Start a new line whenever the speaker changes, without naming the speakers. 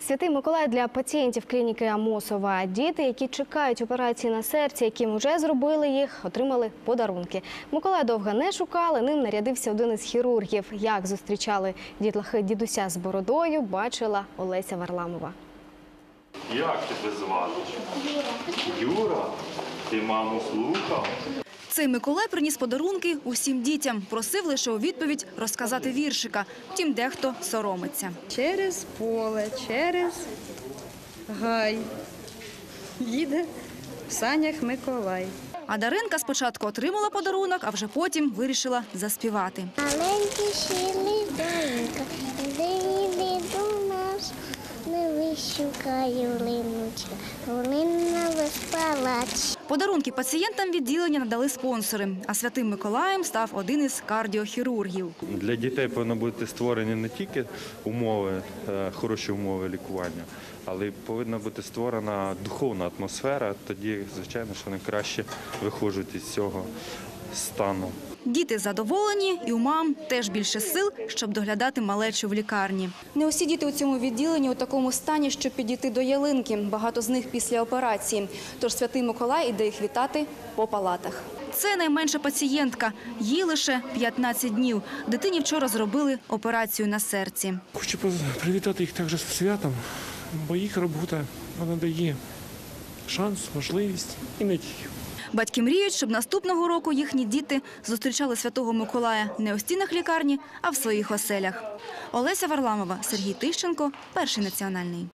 Святий Миколай для пацієнтів клініки Амосова. Діти, які чекають операції на серці, яким вже зробили їх, отримали подарунки. Миколая довго не шукали, ним нарядився один із хірургів. Як зустрічали дітлахи дідуся з бородою, бачила Олеся Варламова.
Як тебе звати? Юра. Юра? Ти маму слухав?
Цей Миколай приніс подарунки усім дітям. Просив лише у відповідь розказати віршика. Втім, дехто соромиться.
Через поле, через гай їде в санях Миколай.
А Даринка спочатку отримала подарунок, а вже потім вирішила заспівати.
Маленький щирий Даринка, іди до нас, не вищукаю линочка, линна весь палач.
Подарунки пацієнтам відділення надали спонсори, а Святим Миколаєм став один із кардіохірургів.
Для дітей повинні бути створені не тільки умови, хороші умови лікування, але й повинна бути створена духовна атмосфера. Тоді, звичайно, що вони краще виходять із цього стану.
Діти задоволені, і у мам теж більше сил, щоб доглядати малечу в лікарні. Не усі діти у цьому відділенні у такому стані, щоб підійти до ялинки. Багато з них після операції. Тож Святий Миколай іде їх вітати по палатах. Це найменша пацієнтка. Їй лише 15 днів. Дитині вчора зробили операцію на серці.
Хочу привітати їх також з святом, бо їх робота, вона дає шанс, можливість і надію.
Батьки мріють, щоб наступного року їхні діти зустрічали Святого Миколая не у стінах лікарні, а в своїх оселях. Олеся Варламова, Сергій Тищенко, Перший національний.